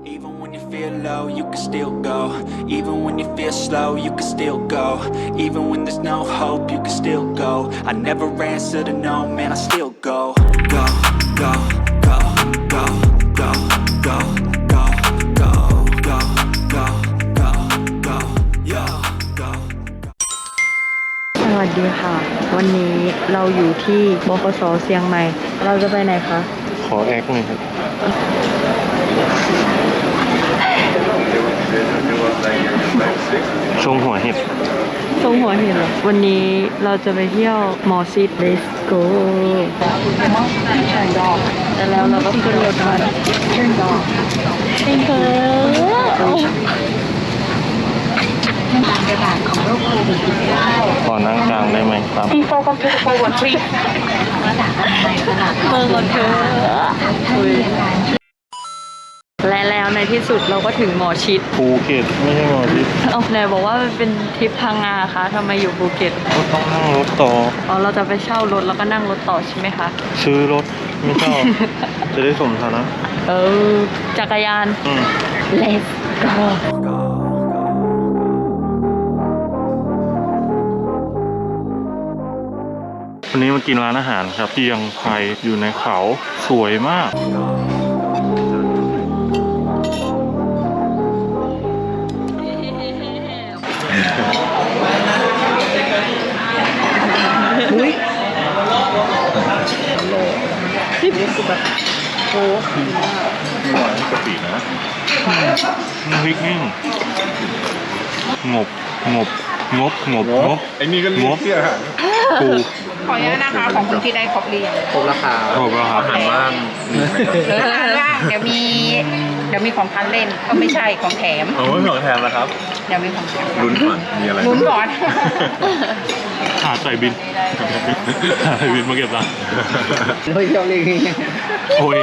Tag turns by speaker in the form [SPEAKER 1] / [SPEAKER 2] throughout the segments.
[SPEAKER 1] Even when you feel low, you can still go. Even when you feel slow, you can still go. Even when there's no hope, you can still go. I never answer to no, man, I still go. Go, go, go, go, go, go, go, go, go, go, go, go, yo, go.
[SPEAKER 2] สวัสดีค่ะ วันนี้เราอยู่ที่บขส.เชียงใหม่ เราจะไปไหนคะ
[SPEAKER 3] ขอแอคหน่อยครับชงหัวเห็ด
[SPEAKER 2] ทรงหัวเห็นเหรอ วันนี้เราจะไปเที่ยวมอซิด Let's go แต่แล้วเราก็ขึ้นรถมา
[SPEAKER 3] ขอนั่งกลางได้ไหมครับ
[SPEAKER 2] เมื่อก่อนเธอและแล้วในที่สุดเราก็ถึงหมอชิด
[SPEAKER 3] ภูเก็ตไม่ใช่หมอที่
[SPEAKER 2] เอาไหนบอกว่ามันเป็นทริปพังงาคะทำไมอยู่ภูเก็ต
[SPEAKER 3] ก็ต้องนั่งรถต่อ
[SPEAKER 2] อ๋อเราจะไปเช่ารถแล้วก็นั่งรถต่อใช่ไหมคะ
[SPEAKER 3] ซื้อรถไม่ชอบ จะได้สมฐานะ
[SPEAKER 2] จักรยาน
[SPEAKER 3] อืม
[SPEAKER 2] Let's go
[SPEAKER 3] วันนี้มากินร้านอาหารครับเชียงไฮ้อยู่ในเขาสวยมาก
[SPEAKER 2] นี่คือแบบโอ้
[SPEAKER 3] ไม่หวานกะปินะน้ำพริกแห้งงบ
[SPEAKER 4] ไอ้นี่ก็เรียกเที่ยฮะ
[SPEAKER 3] ปู
[SPEAKER 5] ขออนุญาตนะคะของคุณที่ได้ครบเรียง
[SPEAKER 4] ครบราคา
[SPEAKER 3] ครบแล้วครับ
[SPEAKER 4] อาหารว่างมีไหมครับ
[SPEAKER 5] หรืออาหารว่างเดี๋ยวมีของทานเล่นก็ไม่ใช่ของแถม
[SPEAKER 4] โอ้ยของแถมนะครับ
[SPEAKER 5] เดี๋ยวมีของแถม
[SPEAKER 4] ลุ้นก่อนมีอะไร
[SPEAKER 5] ลุ้นก่อน
[SPEAKER 3] หาใส่บินหาใส่บินมาเก็บตังค์
[SPEAKER 4] เฮ้ยเจ้าเรียกนี่
[SPEAKER 3] โอ้ย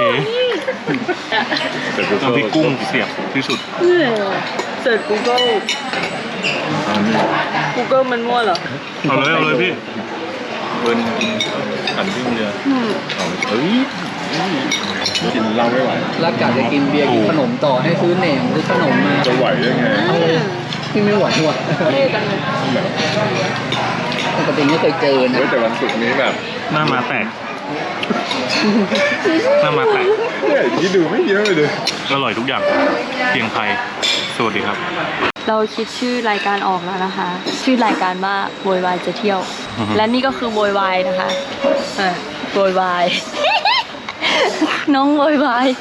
[SPEAKER 3] น้ำพริกกุ้งเสียบที่สุด
[SPEAKER 2] เสิร์ช Google มันมั่วเหรอ
[SPEAKER 3] เอาเลยพี่
[SPEAKER 4] เบิร์นขันวิ่งเรือเฮ้ยกินเหล้าไม่ไหว
[SPEAKER 6] แล้วกะจะกินเบียร์กินขนมต่อให้ซื้อเหน่งซื้อขนมมา
[SPEAKER 4] จะไหวได้ไง
[SPEAKER 6] ที่ไม่ไหวว่ะปกติไม่เคยเจอนะ
[SPEAKER 4] เฮ้ยแต่วันศุกร์นี้แบบ
[SPEAKER 3] หน้ามาแตกหน้ามาแตก
[SPEAKER 4] เนี่ยที่ดูไม่เยอะเลย
[SPEAKER 3] อร่อยทุกอย่างเชียงไฮ้สวัสดีครับ
[SPEAKER 2] เราคิดชื่อรายการออกแล้วนะคะ ชื่อรายการว่าโวยวายจะเที่ยว และนี่ก็คือโวยวายนะคะโวยวาย น้องโวยวาย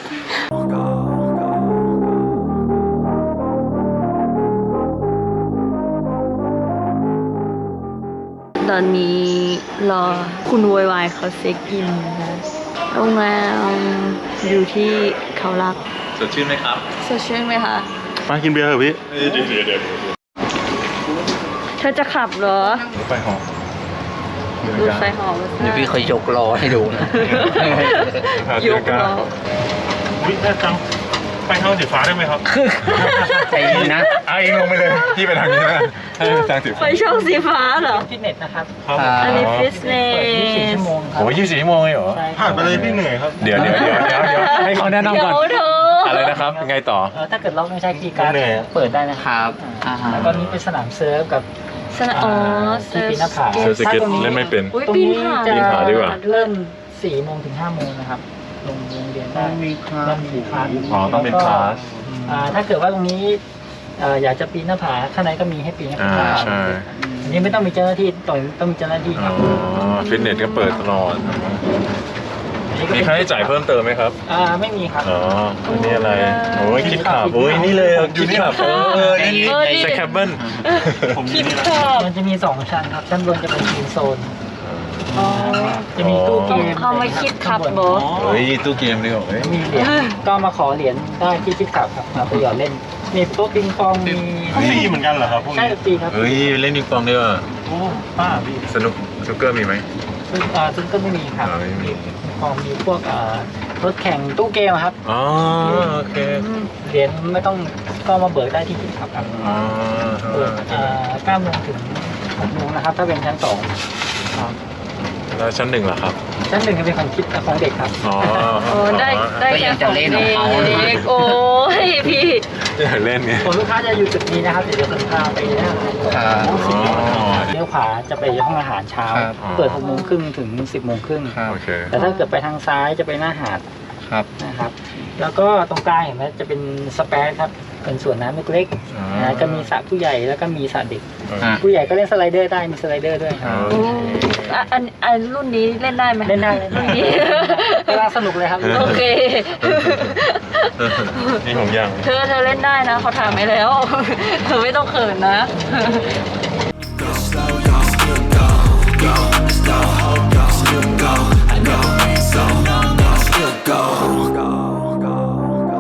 [SPEAKER 2] ตอนนี้รอคุณโวยวายเขาเช็คอินนะคะโรงแรมอยู่ที่เขารัก
[SPEAKER 4] สดชื่นไหมครับ
[SPEAKER 2] สดชื่นไหมคะ
[SPEAKER 3] มากินเบียร์เถอะพี่
[SPEAKER 4] เดี๋ยว
[SPEAKER 2] เธอจะขับเหรอ
[SPEAKER 3] รถไฟหอม
[SPEAKER 2] ดูไฟหอม
[SPEAKER 6] เดี๋ยวพี่เคยยกล้อให้ดูนะ
[SPEAKER 2] ยกล้อ
[SPEAKER 3] วิแม่จังไปทางสีฟ้าได้ไหมครับ
[SPEAKER 6] ใจเย็นนะ
[SPEAKER 4] เอาเองลงไปเลยพี่ไปทางนี้นะให้ทางสิบ
[SPEAKER 2] ไฟช่องสีฟ้าเหรอ
[SPEAKER 7] ฟิตเนสนะครับ
[SPEAKER 3] ครับ
[SPEAKER 2] อันนี้ฟิตเน
[SPEAKER 7] 24
[SPEAKER 2] ส
[SPEAKER 7] ชั่วโมงครับ
[SPEAKER 4] โอ้ย24 ชั่วโมงเลยเหรอ
[SPEAKER 3] ผ่านไปเลยพี่เหนื่อยครับ
[SPEAKER 4] เดี๋ยวให้เขาแนะนำก่อน
[SPEAKER 2] เดี๋ยวเธอ
[SPEAKER 4] อะไรนะครับ ไงต่อ
[SPEAKER 7] ถ้าเกิดเราไม่ใช้คีย์การ์ดเปิดได้นะครับแล้วก็นี้เป็นสนามเซิร์ฟกับ
[SPEAKER 2] สนะอ๋อ
[SPEAKER 7] ที่ปีนหน้าผา
[SPEAKER 4] เซิร์ฟสเก็ตเล่นไม่เป็น
[SPEAKER 2] อุ้ย
[SPEAKER 7] ตรง
[SPEAKER 2] ปีน
[SPEAKER 7] นี้
[SPEAKER 2] ผา
[SPEAKER 7] จะ
[SPEAKER 4] ปีนผาดีกว่า
[SPEAKER 7] เริ่ม4 โมงถึง 5 โมงนะครับโรงเรียนได้มีคลาส
[SPEAKER 4] อ๋อต้องเป็นคลาส
[SPEAKER 7] ถ้าเกิดว่าตรงนี้อยากจะปีนหน้าผาข้างในก็มีให้ปีนหน้าผา
[SPEAKER 4] ใช่
[SPEAKER 7] อันนี้ไม่ต้องมีเจ้าหน้าที่ต้องมีเจ้าหน้าที่ครับ
[SPEAKER 4] ฟิตเนสก็เปิดตลอด
[SPEAKER 7] อันนี้ก็
[SPEAKER 4] มี
[SPEAKER 7] เป็น
[SPEAKER 4] ค่าใช้จ่ายเพิ่มเติมไหมครับ
[SPEAKER 7] ไม่มีครับ
[SPEAKER 4] อ๋ออันนี้อะไร โอ้ยคิดขับโอ้ยนี่เลยคิดขับนี่สแคปเบิล
[SPEAKER 3] ผมมี
[SPEAKER 2] คิด
[SPEAKER 3] นี่นะ
[SPEAKER 2] ชอบ
[SPEAKER 7] มันจะมี 2 ชั้นครับชั้นบนจะเป็นทีมโซน
[SPEAKER 2] อ๋อ
[SPEAKER 7] จะมีตู้เกม
[SPEAKER 2] เขาไม่คิดขับเหรอ
[SPEAKER 4] เฮ้ยตู้เกมนี่เหรอเฮ้ย
[SPEAKER 7] มีเหรียญก็มาขอเหรียญได้ที่คิดขับครับมาไปหยอดเล่น มีโต๊ะปิงปองมี
[SPEAKER 3] ฟรีเหมือนกันเหรอครับพวก
[SPEAKER 7] ใช่
[SPEAKER 3] นี้
[SPEAKER 7] ฟรีครับ
[SPEAKER 4] เฮ้ยเล่นปิงปองด้วยว่ะ
[SPEAKER 3] โอ้ป้าพี่
[SPEAKER 4] สนุกสเกอร์มีไหม
[SPEAKER 7] ซึ่งก็ไม่มีครับ
[SPEAKER 4] ไม่มี
[SPEAKER 7] พอมีพวกรถแข่งตู้เกมอะครับ
[SPEAKER 4] อ๋อโอเค
[SPEAKER 7] เหรียญไม่ต้องก็มาเบิกได้ที่คิดขับครับ
[SPEAKER 4] อ๋อ
[SPEAKER 7] เปิด9 โมงถึง 6 โมงนะครับ ถ้าเป็นชั้น 2 ครับ
[SPEAKER 4] แล้วชั้น1ล่ะครับ
[SPEAKER 7] ชั้น 1จะเป็นของคิดของเด็กครับ
[SPEAKER 4] อ๋อ
[SPEAKER 2] โอ้ได้แค่ของเด็กโอ้ยพี่
[SPEAKER 3] อยากเล่นไง
[SPEAKER 7] ส่วนลูกค้าจะอยู่จุดนี้นะครับเดี๋ยวจะพาไปหน้าอาหาร
[SPEAKER 6] ครับ
[SPEAKER 3] อ๋อ
[SPEAKER 7] เลี้ยวขวาจะไปห้องอาหารเช้า
[SPEAKER 6] ครับ
[SPEAKER 7] เปิด6 โมงครึ่งถึง 10 โมงครึ่ง
[SPEAKER 6] ครับ
[SPEAKER 3] โอเค
[SPEAKER 7] แต่ถ้าเกิดไปทางซ้ายจะไปหน้าหาด
[SPEAKER 6] ครับ
[SPEAKER 7] นะครับ แล้วก็ตรงกลางเห็นไหมจะเป็นสเปซครับ เป็นสวนน้ำเล็ก
[SPEAKER 3] อ๋อ
[SPEAKER 7] ๆนะจะมีสระผู้ใหญ่แล้วก็มีสระเด็ก
[SPEAKER 6] อ่ะ
[SPEAKER 7] ผู้ใหญ่ก็เล่นสไลเดอร์ได้ มีสไลเดอร์ด้วยครับ
[SPEAKER 3] โอเค
[SPEAKER 2] อันรุ่นนี้เล่นได้ไหม
[SPEAKER 7] เล่นได้เลย
[SPEAKER 2] รุ่นนี้
[SPEAKER 7] กำลังสนุกเลยครับ
[SPEAKER 2] โอเค
[SPEAKER 3] นี่ผมยัง
[SPEAKER 2] เธอเล่นได้นะเขาถามไปแล้ว เธอไม่ต้องเขินนะ
[SPEAKER 1] Go slow, you can still go. Go, there's no hope, you can still go. I never ran, so no, no, still go. Go, go, go.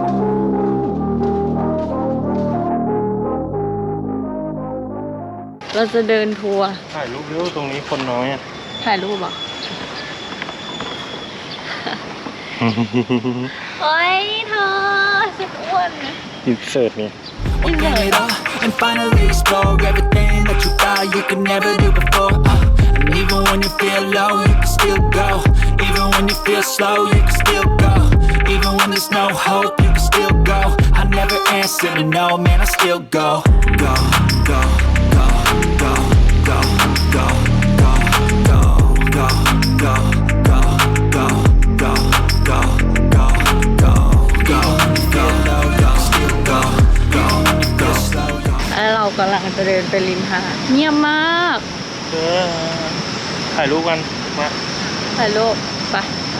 [SPEAKER 2] เราจะเดินทัวร์
[SPEAKER 3] ถ่ายรูปเร็วตรงนี้คนน้อยอ่ะ
[SPEAKER 2] ถ่ายรูปเหรอเฮ้ยเธอสุดอ้วน
[SPEAKER 3] อินเสิร์ตนี่
[SPEAKER 1] Open it up and finally explore everything that you thought you could never do before. And even when you feel low, you can still go. Even when you feel slow, you can still go. Even when there's no hope, you can still go. I never answer to no, man, I still go. Go, go, go, go, go, go, go, go, go, go, go, go, go, go, go, go, go. Feel low, you can still go. Go, go slow, go.
[SPEAKER 2] แล้วเรากำลังจะเดินไปริมหาดเงียบมาก
[SPEAKER 3] ถ่ายรูปกันมา
[SPEAKER 2] ถ่ายรูปไป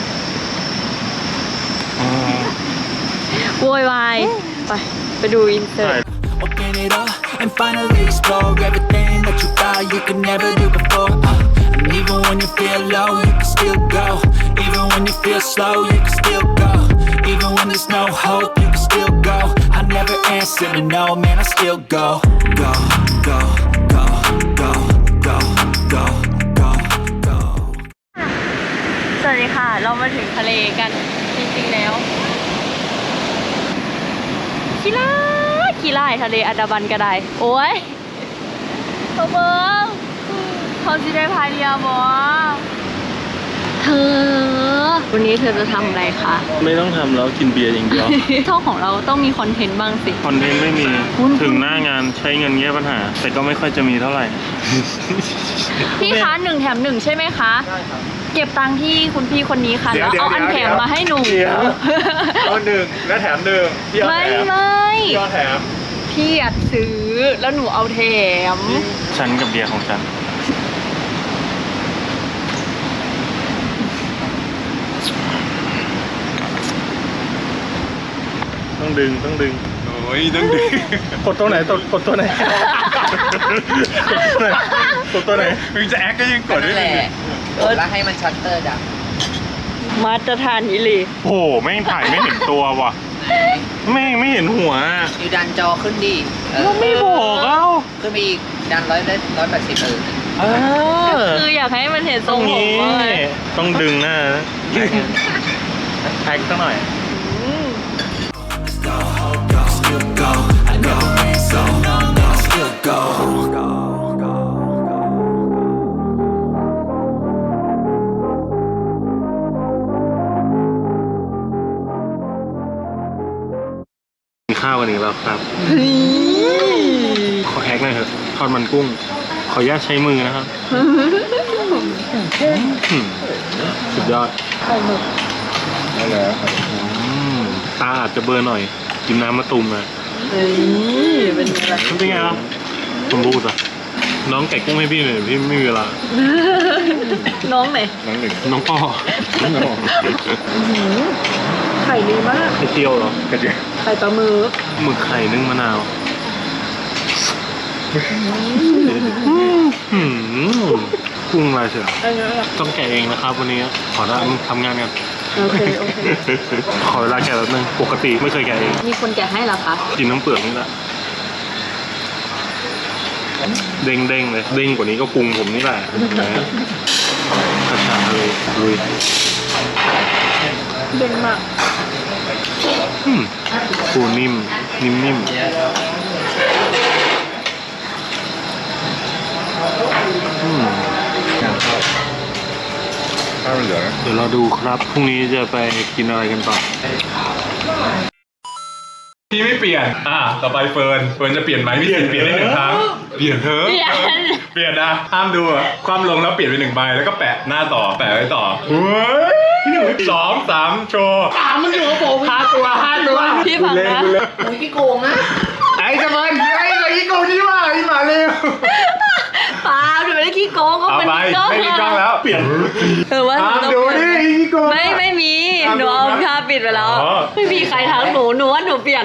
[SPEAKER 2] โวยวายไปดูอินเสิร์ต
[SPEAKER 1] Open it up and finally explore everything that you thought you could never do before. And even when you feel low, you can still go. Even when you feel slow, you can still go. Even when there's no hope, you can still go. I never answer to no, man, I still go. Go, go, go, go, go, go, go, go.
[SPEAKER 2] สวัสดีค่ะ เรามาถึงทะเลกันจริงๆแล้วขี้ไล่ทะเลอันดามันก็ได้โอ้ยเขาเบิ้งเขาจะได้พายเรือบ่เธอวันนี้เธอจะทำอะไรคะ
[SPEAKER 3] ไม่ต้องทำแล้วกินเบียร์อย่างเดียว
[SPEAKER 2] ช่องของเราต้องมีคอนเทนต์บ้างสิ
[SPEAKER 3] คอนเทนต์ไม่มี
[SPEAKER 2] คุณ
[SPEAKER 3] ถึงหน้างานใช้เงินแก้ปัญหา แต่ก็ไม่ค่อยจะมีเท่าไหร่
[SPEAKER 2] พี่คะ1 แถม 1ใช่ไหมคะใช่ครับเก็บตังค์ที่คุณพี่คนนี้ค่ะ
[SPEAKER 3] เดี๋
[SPEAKER 2] แล้
[SPEAKER 3] ยว
[SPEAKER 2] วเอาอันแถมมาให้หนู
[SPEAKER 3] เดี๋ยว เอาหนึ่งและแถมหนึ่งพี่เอา
[SPEAKER 2] ไม่
[SPEAKER 3] แถม
[SPEAKER 2] ไม่
[SPEAKER 3] พี่เอาแถม
[SPEAKER 2] พี่อยากซื้อแล้วหนูเอาแถม
[SPEAKER 3] ฉันกับเบียร์ของฉัน ต้องดึงต้องดึง
[SPEAKER 4] โอ้ยต้องดึง
[SPEAKER 3] กดตัวไหนกดตัวไหนกดตัวไหน
[SPEAKER 4] มึงจะแอคก็ยังกดได้เลย
[SPEAKER 6] แล้วให้มันชัตเตอร์ดับ
[SPEAKER 2] มาตรฐานอิลี
[SPEAKER 3] โอ้โหแม่งถ่ายไม่เห็นตัวว่ะแม่งไม่เห็นหัว
[SPEAKER 6] อยู่ดันจอขึ้นดิเออ
[SPEAKER 3] ก็ไม่บอกเอ้า
[SPEAKER 6] ขึ้นไปอีกดัน180
[SPEAKER 2] คืออยากให้มันเห็นท
[SPEAKER 3] ต
[SPEAKER 2] ร
[SPEAKER 3] รง ง
[SPEAKER 2] ผม
[SPEAKER 3] นี้
[SPEAKER 2] ว่า
[SPEAKER 3] ต้องดึงหน้านะแท็กสักหน่อย
[SPEAKER 1] No hope, you can still go. I never ran, so no, no, still go. Go, go, go.
[SPEAKER 3] กินข้าวกันอีกแล้วครับ ขอแฮกหน่อยเถอะทอดมันกุ้ง ขออนุญาตใช้มือนะครับสุดยอด
[SPEAKER 4] ได้แล้ว
[SPEAKER 3] ตาอาจจะเบลอร์หน่อย กินน้ำมะตูมมา
[SPEAKER 2] เป็นไง
[SPEAKER 3] เป็นไงล่ะผมพูดอ่ะ น้องแกะกุ้งให้พี่หน่อยพี่ไม่มีเวลา
[SPEAKER 2] น้องไหน
[SPEAKER 4] น้องหนึ่ง
[SPEAKER 3] น้องพ่อ
[SPEAKER 2] ไข่ดีมาก
[SPEAKER 3] ไข่เจียวเหรอ
[SPEAKER 4] กระเจี๊ยบ
[SPEAKER 2] ไข่ปลาหมึก
[SPEAKER 3] หมึกไข่นึ่งมะนาวกุ้งลายเสือต้องแกะเองนะครับวันนี้ขอทำงานกัน
[SPEAKER 2] โอเค
[SPEAKER 3] ขอเวลาแกะแป๊บนึงปกติไม่เคยแกะเอง
[SPEAKER 2] มีคนแกะให้เหรอคะ
[SPEAKER 3] กินน้ำเปลือกนี่แหละเด้งเด้งๆเลยเด้งกว่านี้ก็ปรุงผมนี่แหละนะกระชาเลยลุย
[SPEAKER 2] เด้งมาก
[SPEAKER 3] ปูนิ่มนิ่ม
[SPEAKER 4] ข้าวมันเหลือนะ
[SPEAKER 3] เดี๋ยวเราดูครับพรุ่งนี้จะไปกินอะไรกันต่อ
[SPEAKER 4] พี่ไม่เปลี่ยนต่อไปเฟิร์นจะเปลี่ยนไหมพี่เปลี่ยนได้1 ครั้งเปลี่ยนเถอะเปลี่ยนนะห้ามดูความลงแล้วเปลี่ยนไป1 ใบแล้วก็แปะหน้าต่อแปะไว้ต่อเฮ้ย2 3โชว์
[SPEAKER 6] มันอยู่กับผม5 ตัว
[SPEAKER 2] พี่ฟังนะ
[SPEAKER 6] มึงขี้โกงนะไอ้จะมันไอ้ขี้โกงที่ว่าไอ้หมาเร็ว
[SPEAKER 2] เปล่าหนูไม่ได้ขี้โกงก็
[SPEAKER 4] เอา
[SPEAKER 2] มัน
[SPEAKER 4] ไป
[SPEAKER 2] ก็
[SPEAKER 4] ไม่มีกล้องแล้วเปลี่ยน
[SPEAKER 2] ว่าหนูต้อง
[SPEAKER 6] ดู
[SPEAKER 2] เปลี่ยน
[SPEAKER 6] ดิขี้โกง
[SPEAKER 2] ไม่มีหนูเอาผ้าปิดไปแล้ว
[SPEAKER 4] อ๋อ
[SPEAKER 2] ไม่มีใครทักหนูว่าหนูเปลี่ยน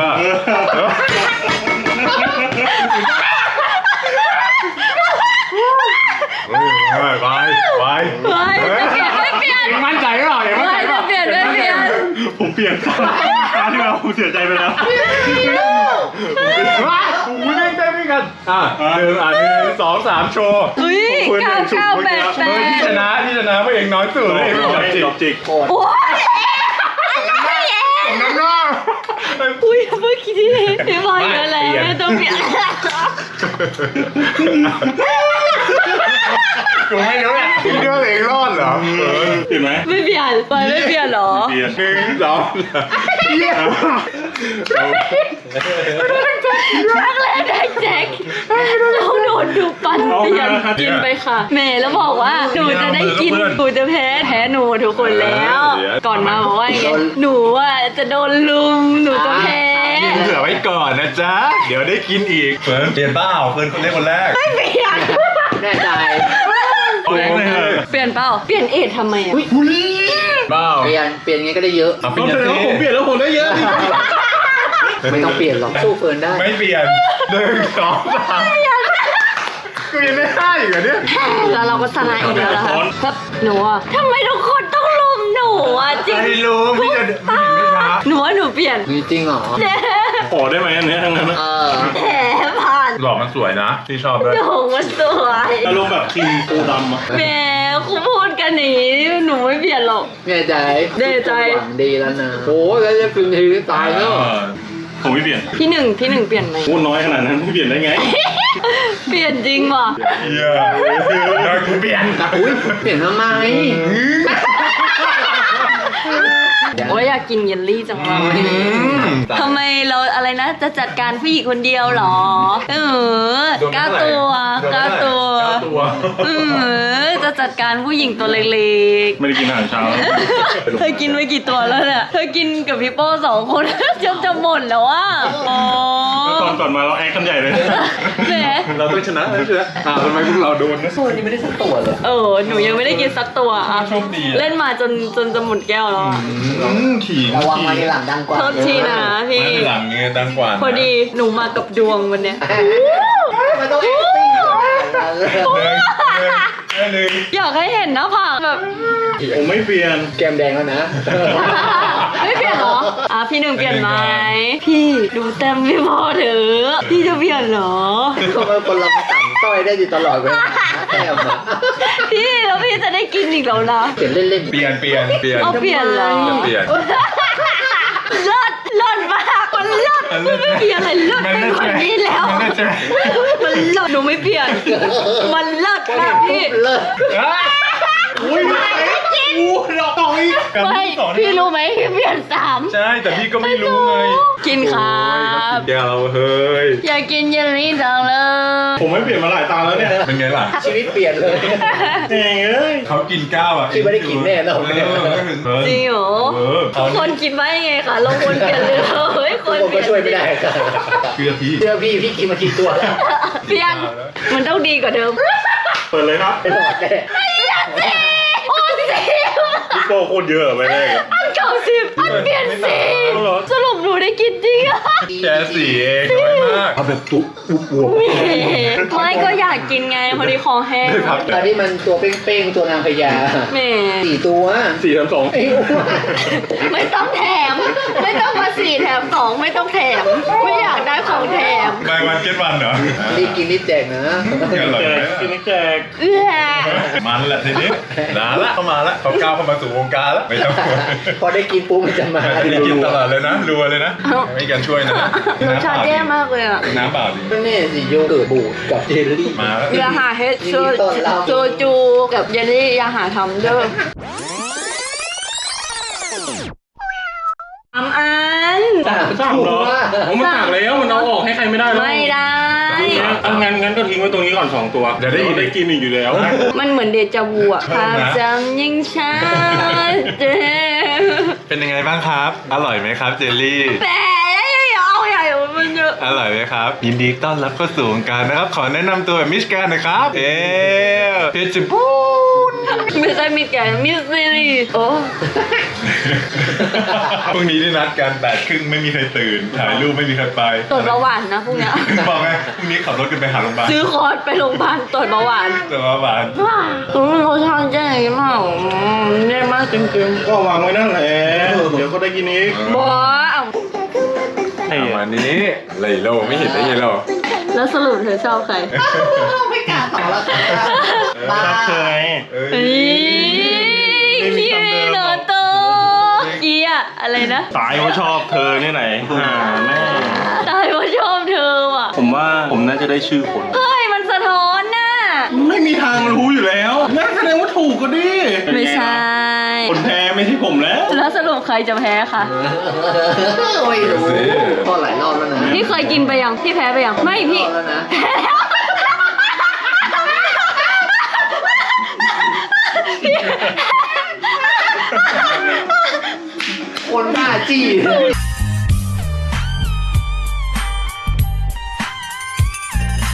[SPEAKER 4] ไป
[SPEAKER 2] ไม่เปลี่ยน
[SPEAKER 6] มั่นใจหรือเปล่า
[SPEAKER 2] ไม่เปลี่ยน
[SPEAKER 3] ผมเปลี่ยนคราวที่แล้วผมเสียใจไปแล้ว
[SPEAKER 4] ไม่ได้เต้นด้วยกัน1 2 3โชว์
[SPEAKER 2] อุ้ย998
[SPEAKER 4] ที่ชนะเพราะเองน้อยสุดเลย
[SPEAKER 3] ดอกจิก
[SPEAKER 2] โอ้ย
[SPEAKER 4] น้ำหน้า
[SPEAKER 2] อุ้ยเมื่อกี้พี่บอยเยอะแล้วไม่ต้องเปลี่ยน
[SPEAKER 4] กูไม่รู้เนี่ยพี่เชื่อเองรอดเหรอ
[SPEAKER 3] เห็นไหม
[SPEAKER 2] ไม่เปลี่ยนบอยไม่เปลี่ยนหรอ
[SPEAKER 3] เปลี่ยน
[SPEAKER 4] 1 2
[SPEAKER 2] รักแรกได้แจ็คเราโดนดูปั่นเปลี่ยนกินไปค่ะแม่แล้วบอกว่าหนูจะได้กินหนูจะแพ้หนูทุกคนแล้ว ก่อนมาบอกว่าอย่างเงี้ยหนูว่าจะโดนลุมหนูจะแพ้
[SPEAKER 4] กินเผื่อไว้ก่อนนะจ๊ะเดี๋ยวได้กินอีกเฟิร์นเปลี่ยนเปล่าเฟิร์นคนเล่นคนแรก
[SPEAKER 2] ไม่เปลี่ยน
[SPEAKER 6] แน่ใจ
[SPEAKER 4] เปลี่ยนเลย
[SPEAKER 2] เปลี่ยนเปล่าเปลี่ยนเอททำไมอ่ะ
[SPEAKER 4] เปล่า
[SPEAKER 6] เปลี่ยนไงก็ได้เยอะ
[SPEAKER 4] เปลี่ยน
[SPEAKER 3] ผมเปลี่ยนแล้วผมได้เยอะ
[SPEAKER 6] ไม่ต้องเปลี่ยนหรอกสู้เฟิร์นได้
[SPEAKER 4] ไม่เปลี่ยน1 2 3กูยังไม่ได้อีกเหรอเนี่ย
[SPEAKER 2] แล้วเราก็ชนะอีกแล้วนะคะครับหนูอ่ะทำไมทุกคนต้องลุมหนูอ่ะจริง
[SPEAKER 4] ไม่รู้พี่จะไม่เห็นไม่ช้า
[SPEAKER 2] หนูว่าหนูเปลี่ยน
[SPEAKER 6] มีจริงเหรอ
[SPEAKER 3] ขอได้ไหมอันนี้ทั้งนั้น
[SPEAKER 2] แผลผ่าน
[SPEAKER 4] หล่อมันสวยนะพี่ชอบด้วย
[SPEAKER 2] หนูมันสวย
[SPEAKER 3] อารมณ์แบบทีมปูดำอะ
[SPEAKER 2] แหมครูพูดกันหนีหนูไม่เปลี่ยนหรอก
[SPEAKER 6] แน่ใจ
[SPEAKER 2] แน่ใจ
[SPEAKER 6] หวังดีแล้วนะโอ้แล้วจะคืนทีตายแล้ว
[SPEAKER 3] ผมไม่เปลี่ยน
[SPEAKER 2] ที่หนึ่งเปลี่ยนไหม
[SPEAKER 3] พูดน้อยขนาดนั้นไม่เปลี่ยนได้ไง
[SPEAKER 2] เปลี่ยนจริงว่ะ
[SPEAKER 4] เหี้ยได้กูเปลี่ยน
[SPEAKER 6] อุ้ยเปลี่ยนทำไม
[SPEAKER 2] โอ้ยอยากกินเยลลี่จังเลยทำไมเราอะไรนะจะจัดการผู้หญิงคนเดียวเหรอก้าวตัวจะจัดการผู้หญิงตัวเล็ก
[SPEAKER 3] ไม่ได้กินอาหารเช้า
[SPEAKER 2] ๆเธอกินไปกี่ตัวแล้วเนี่ยเธอกินกับพี่โป้2 คนจนจะหมดแล้วอ่ะโอ้
[SPEAKER 3] ก่อนมาเราแอคกันใหญ่เลย
[SPEAKER 2] แหม
[SPEAKER 4] เราต้องชนะทำไมพวกเราโดนนะ
[SPEAKER 6] โซนนี้ไม่ได้สักตัวเลย
[SPEAKER 2] หนูยังไม่ได้กินสักตัวอ่ะ
[SPEAKER 4] โชคดีอะ
[SPEAKER 2] เล่นมาจนจะหมดแก้วแล้วอะ
[SPEAKER 4] ขี่
[SPEAKER 6] ระวังมาในหลังดังกว่า
[SPEAKER 2] โทษทีนะพี่
[SPEAKER 4] ไม่หลังเงี้ยดังกว่า
[SPEAKER 2] พอดีหนูมากับดวงวันเนี้ย
[SPEAKER 6] มันต้อง acting
[SPEAKER 4] หนึ่ง
[SPEAKER 2] อยากให้เห็นหน้าผากแบบ
[SPEAKER 3] ผมไม่เปลี่ยน
[SPEAKER 6] แก้มแดงแล้วนะ
[SPEAKER 2] ไม่เปลี่ยนเหรอพี่หนึ่งเปลี่ยนไหมพี่ดูเต็มไม่พอเถอะพี่จะเปลี่ยนเหรอ
[SPEAKER 6] ก็เป็นคนเราสั่งต้อยได้อยู่ตลอดเวลาแก้มอะ
[SPEAKER 2] พี่แล้วพี่จะได้กินอีกแล้วนะ
[SPEAKER 6] เปลี่ยนเล่น
[SPEAKER 4] เปลี่ยน
[SPEAKER 2] เอาเปลี่ยนเหรอ
[SPEAKER 4] เปลี่ยน
[SPEAKER 2] เลิศมากมันเลิศไม่มีอะไรเลิศไปกว่านี้แล้ว
[SPEAKER 4] มันใช่ไหม
[SPEAKER 2] มันเลิศหนูไม่เปลี่ยน มันเลิศมากพี่
[SPEAKER 6] ๆเลิศ
[SPEAKER 3] อุ้ยดอกต่อย
[SPEAKER 2] ไม่พี่รู้ไหมพี่เปลี่ยน3
[SPEAKER 4] ใช่แต่พี่ก็ไม่รู้ไง
[SPEAKER 2] กินครับ
[SPEAKER 4] เดี๋ยวเราเฮ้ย
[SPEAKER 2] อยากกินเยลลี่จังเลย
[SPEAKER 3] ผมไม่เปลี่ยนมาหลายตาแล้วเนี่ย
[SPEAKER 4] เป็นไงล่ะ
[SPEAKER 6] ชีวิตเปลี่ยนเลย
[SPEAKER 3] เองเอ้ย
[SPEAKER 4] เขากินก้าวอ่ะ
[SPEAKER 6] พี่ไม่ได้กินแน่นอน
[SPEAKER 2] จริงเหรอทุกคนคิดว่ายังไงคะเราควรเปลี่ยนเลยเฮ้ยคน
[SPEAKER 6] ผม
[SPEAKER 2] เป
[SPEAKER 6] ก็
[SPEAKER 2] ลี่ยน
[SPEAKER 6] ช่วยไม่ได้ครับ
[SPEAKER 4] เชื่อพี่
[SPEAKER 6] เชื่อพี่กินมากี่ตัวแล้ว
[SPEAKER 2] เปลี่ยนมันต้องดีกว่าเดิม
[SPEAKER 3] เปิดเลยครับ
[SPEAKER 6] ไม่หลอดแน่
[SPEAKER 2] โอ้สิ
[SPEAKER 3] พี่โป้โคตรเยอะไปแรก
[SPEAKER 2] อันเก่า10อันเปลี่ยน10สรุปหนูได้กินจริงอะ
[SPEAKER 4] แค่4เองน้อยมากเอาแบบตุ๊บอ้วก
[SPEAKER 2] ไม่ก็อยากกินไงพอดีคอแห้ง
[SPEAKER 6] ตอนที่มันตัวเป้งๆตัวนางพญา
[SPEAKER 2] แหม่
[SPEAKER 6] 4 ตัว
[SPEAKER 3] 4-3-2
[SPEAKER 6] ไอ้อ้วน
[SPEAKER 2] ไม่ต้องแถม ไม่ต้องมา4 แถม 2 ไม่ต้องแถม ไม่อยากได้ของแถม
[SPEAKER 4] ไปวันเก็ตวันเหรอ
[SPEAKER 6] รีบกินรีบแจกนะ
[SPEAKER 4] อร่อย
[SPEAKER 3] แจ
[SPEAKER 4] ไหม
[SPEAKER 3] กกินแจก
[SPEAKER 2] เอื้อ
[SPEAKER 4] มันแหละทีนี้นานละเข้ามาละเขาก้าวเข้ามาสู่วงการแล้วไม่ต้องกลัว
[SPEAKER 6] พอได้กินปุ๊บมันจะมา
[SPEAKER 4] ได้กินตลอดเลยนะรัวเลยนะไม่กันช่วยนะ
[SPEAKER 2] รสชาติแย่มากเลยอะ
[SPEAKER 4] น้ำเปล่าดิ
[SPEAKER 6] ก็เนี่ยสิโยเกิร์ตบูดกับเจลลี่
[SPEAKER 4] มาแล้ว
[SPEAKER 2] อย่าหาเฮดโซจูกับเยลลี่อย่าหาทำเด้อ3 อัน
[SPEAKER 3] สั่งเหรอผมมันสั่งแล้วมันเอาออกให้ใครไม่ได้แล้ว
[SPEAKER 2] ไม่ได้
[SPEAKER 3] งั้นก็ทิ้งไว้ตรงนี้ก่อน2ตัว
[SPEAKER 4] เดี๋ยวได้กินอีกอยู่แล้ว
[SPEAKER 2] มันเหมือนเดจาวูอะภาพจำยิ่งช้าเจ
[SPEAKER 4] เป็นยังไงบ้างครับ อร่อยไหมครับเจลลี่
[SPEAKER 2] แต่เอาใหญ่มันเยอะ
[SPEAKER 4] อร่อยไหมครับ ยินดีต้อนรับเข้าสู่วงการนะครับ ขอแนะนำตัวแบบมิสแกรนด์หนะครับ เพชรบูรณ์
[SPEAKER 2] ไม่ใช่มิสแกรนด์มิสซีรีส์โอ้
[SPEAKER 4] พรุ่งนี้ที่นัดกัน8:30ไม่มีใครตื่น ถ่ายรูปไม่มีใครไป
[SPEAKER 2] ตรวจเบาหวานนะพวกเนี้ย
[SPEAKER 4] บอกไงพรุ่งนี้ขับรถกันไปหาโรงพยาบาล
[SPEAKER 2] ซื้อคอร์สไปโรงพยาบาลตรวจเบาหวาน
[SPEAKER 4] ตรวจเบาหวาน
[SPEAKER 2] เขาทานแย่มากแย่มากจริง
[SPEAKER 3] ก็วางไว้นั่นแหละ เดี๋ยวก็ได้กินอีก
[SPEAKER 2] ๆบอส
[SPEAKER 4] ประมาณนี้เลยโลไม่เห็นได้ยังโล
[SPEAKER 2] แล้วสรุปเธอชอบใคร
[SPEAKER 5] ไม่กล้าตอบแล้วค่ะ
[SPEAKER 3] ชอบเธอไง
[SPEAKER 2] เฮ้ยพี่โนโตเกียอะไรนะ
[SPEAKER 3] ตายเพราะชอบเธอนี่ไหนแม่
[SPEAKER 2] ตายเพราะชอบเธอว่ะ
[SPEAKER 3] ผมว่าผมน่าจะได้ชื่อคน
[SPEAKER 2] เฮ้ยมันสะท้อนน่ะ
[SPEAKER 3] ไม่มีทางรู้อยู่แล้วนั่นแสดงว่าถูกก็ดิ
[SPEAKER 2] ไม่ใช่
[SPEAKER 3] คนแพ้ไม่ใช่ผมแล้ว
[SPEAKER 2] แล้วสรุปใครจะแพ้คะ
[SPEAKER 6] ไม่รู้ก็หลายรอบแล้วนะ
[SPEAKER 2] พี่เคยกินไปยังพี่แพ้ไปยังไม่พี่
[SPEAKER 6] รอบแล้วนะ
[SPEAKER 2] แพ้แล้ว
[SPEAKER 6] คนบ้าจี้